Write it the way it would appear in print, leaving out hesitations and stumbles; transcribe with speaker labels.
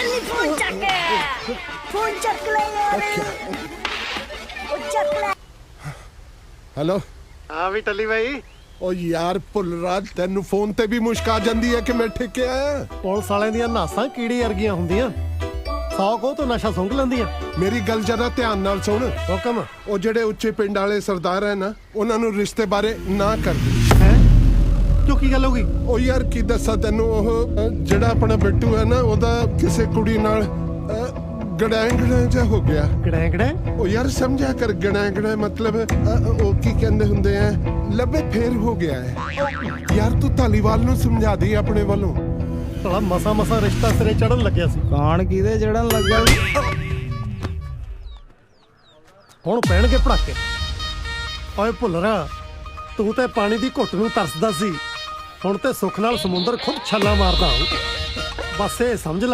Speaker 1: जल्दी फोन चक ले यार ओ चक ले।
Speaker 2: हेलो
Speaker 3: हाँ भी टली भाई
Speaker 2: ओ यार ਭੁੱਲਰਾਜ ਤੈਨੂੰ ਫੋਨ ਤੇ ਵੀ ਮੁਸ਼ਕ ਆ ਜਾਂਦੀ ਹੈ ਕਿ ਮੈਂ ਠੇਕੇ ਆਇਆ।
Speaker 4: ਪੁਲਿਸ ਵਾਲਿਆਂ ਦੀਆਂ ਨਾਸਾਂ ਕੀੜੀ ਵਰਗੀਆਂ ਹੁੰਦੀਆਂ, 100 ਕੋਹ ਤੋਂ ਨਸ਼ਾ ਸੁੰਘ ਲੈਂਦੀਆਂ।
Speaker 2: ਮੇਰੀ ਗੱਲ ਜਰਾ ਧਿਆਨ ਨਾਲ ਸੁਣ।
Speaker 4: ਹੁਕਮ
Speaker 2: ਉਹ ਜਿਹੜੇ ਉੱਚੇ ਪਿੰਡ ਵਾਲੇ ਸਰਦਾਰ ਹੈ ਨਾ, ਉਹਨਾਂ ਨੂੰ ਰਿਸ਼ਤੇ ਬਾਰੇ ਨਾ ਕਰ ਦੇ।
Speaker 4: ਹੈ ਕਿਉਂ, ਕੀ ਗੱਲ ਹੋ ਗਈ?
Speaker 2: ਉਹ ਯਾਰ ਕੀ ਦੱਸਾਂ ਤੈਨੂੰ, ਉਹ ਜਿਹੜਾ ਆਪਣਾ ਬਿੱਟੂ ਹੈ ਨਾ, ਉਹਦਾ ਕਿਸੇ ਕੁੜੀ ਨਾਲ ਗੜੈਂਗੜਾ ਜਿਹਾ ਹੋ ਗਿਆ।
Speaker 4: ਗੜੈਂਗੜਾ?
Speaker 2: ਉਹ ਯਾਰ ਸਮਝਿਆ ਕਰ, ਗੜੈਂਗੜਾ ਮਤਲਬ ਉਹ ਕੀ ਕਹਿੰਦੇ ਹੁੰਦੇ ਆ, ਲੱਭੇ ਫੇਰ ਹੋ ਗਿਆ ਹੈ। ਯਾਰ ਤੂੰ ਧਾਲੀਵਾਲ ਨੂੰ ਸਮਝਾ ਦੇ ਆਪਣੇ ਵੱਲੋਂ।
Speaker 4: ਸਾਲਾ ਮਸਾ ਰਿਸ਼ਤਾ ਸਿਰੇ ਚੜਨ ਲੱਗਿਆ ਸੀ।
Speaker 5: ਕਾਣ ਕਿਹਦੇ ਚੜਨ ਲੱਗਾ?
Speaker 4: ਹੁਣ ਪੈਣਗੇ ਪੜਾਕੇ। ਓਏ ਭੁੱਲਰਾ, ਤੂੰ ਤੇ ਪਾਣੀ ਦੀ ਘੁੱਟ ਨੂੰ ਤਰਸਦਾ ਸੀ, ਹੁਣ ਤੇ ਸੁੱਖ ਨਾਲ ਸਮੁੰਦਰ ਖੁਦ ਛੱਲਾ ਮਾਰਦਾ ਹੋਊ। ਬਸ ਇਹ ਸਮਝ ਲੈ